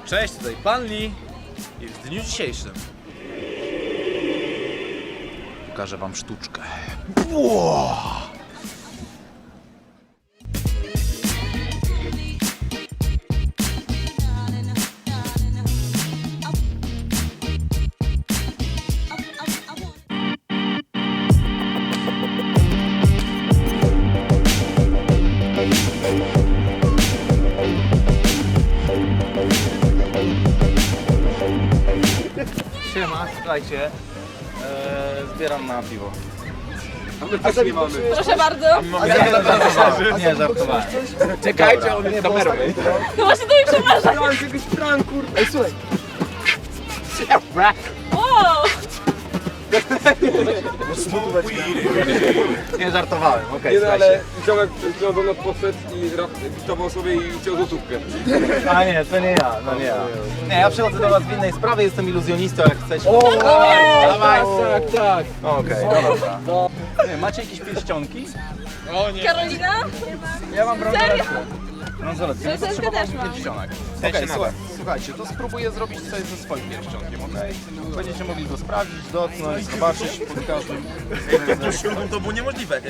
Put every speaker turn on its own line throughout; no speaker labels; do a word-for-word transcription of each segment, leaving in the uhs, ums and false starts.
Cześć, tutaj Pan Lee i w dniu dzisiejszym pokażę wam sztuczkę. Wow. Siema, słuchajcie, eee, zbieram na piwo.
A nie mamy.
Proszę bardzo.
Nie, żartowałem.
Czekajcie, on mnie kameruje.
No właśnie to mi przepraszam.
Miałem jakiegoś pranku. Ej, słuchaj.
O!
Nie żartowałem, okej,
Nie no,
słuchajcie.
ale ziomek ziomek do nas podszedł i witował sobie i chciał złotówkę.
A nie, to nie ja, no nie ja. Nie, ja przychodzę do was w innej sprawie, jestem iluzjonistą, jak chcecie.
O,
dawaj.
Tak, tak.
Okej, dobra. Nie, macie jakieś pierścionki?
Karolina?
Ja mam
Serio?
bransoletkę. Bransoletkę,
Bransoletkę
potrzebowałem
też mam.
pierścionek. Okej, słuchaj, słuchajcie, to spróbuję zrobić coś ze swoim pierścionkiem, okej? Będziecie mogli go sprawdzić, dotknąć, zobaczyć pod każdym względem.
To było niemożliwe.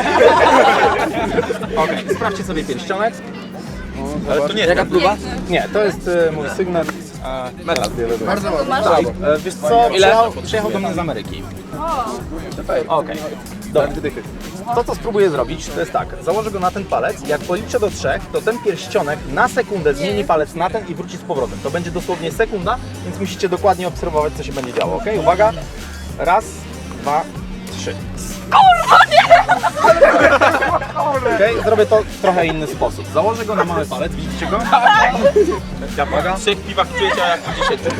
Okej, sprawdźcie sobie pierścionek.
Ale to nie
Jaka
jest
próba? Nie, to jest e, mój sygnet. E, metal. Bardzo ładny.
Masz?
E, wiesz co, przyjechał, przyjechał do mnie z Ameryki. Okej, dobra. To co spróbuję zrobić, to jest tak, założę go na ten palec, jak policzę do trzech, to ten pierścionek na sekundę zmieni palec na ten i wróci z powrotem. To będzie dosłownie sekunda, więc musicie dokładnie obserwować, co się będzie działo, ok? Uwaga, raz, dwa, trzy. Kurwa, nie! Okej, zrobię to w trochę inny sposób. Założę go na mały palec, widzicie go? Ja uwaga.
W trzech piwach czujecie jak w dziesięciu.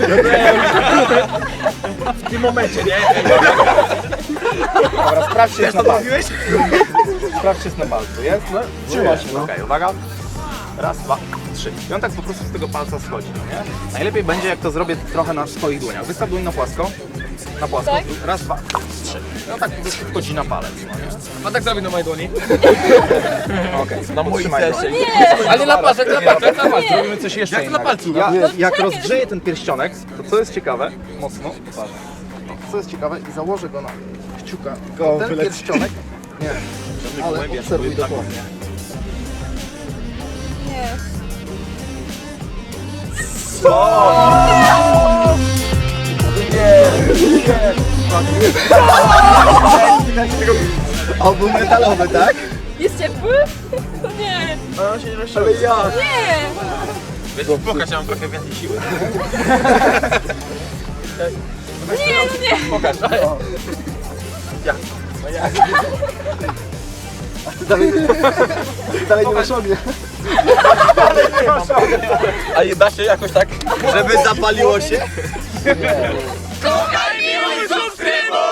W tym momencie, nie? Dobra, sprawdźcie, jest na palcu. Sprawdźcie, jest na palcu, jest? No, trzyma się. Okej, okay, uwaga. Raz, dwa, trzy. I on tak po prostu z tego palca schodzi, no nie? Najlepiej będzie, jak to zrobię trochę na swoich dłoniach. Wystaw dłoń na płasko. Na płasko.
Tak?
Raz, dwa, trzy. I on tak po prostu wchodzi na palec, no nie?
A tak zrobię na mojej dłoni.
Okej, okay, na moim serce.
Ale na palcach, na palcach, na palcach.
Zrobimy coś jeszcze
Jak to na
innego.
palcu?
Ja,
No,
jak
czekaj.
rozgrzeję ten pierścionek, to co jest ciekawe, mocno, co jest ciekawe i założę go na kciuka, to ten pierścionek, nie, ale obserwuj dokładnie.
Nie.
O, był metalowy, tak?
Jest ciepły? To nie.
Ale ja.
Nie.
Wiesz, pokaż, ja mam trochę więcej siły.
Nie, no nie.
Pokaż.
Dalej nie masz ognia.
A nie da się jakoś tak, żeby zapaliło się?
Kochaj, miłuj, subskrybuj!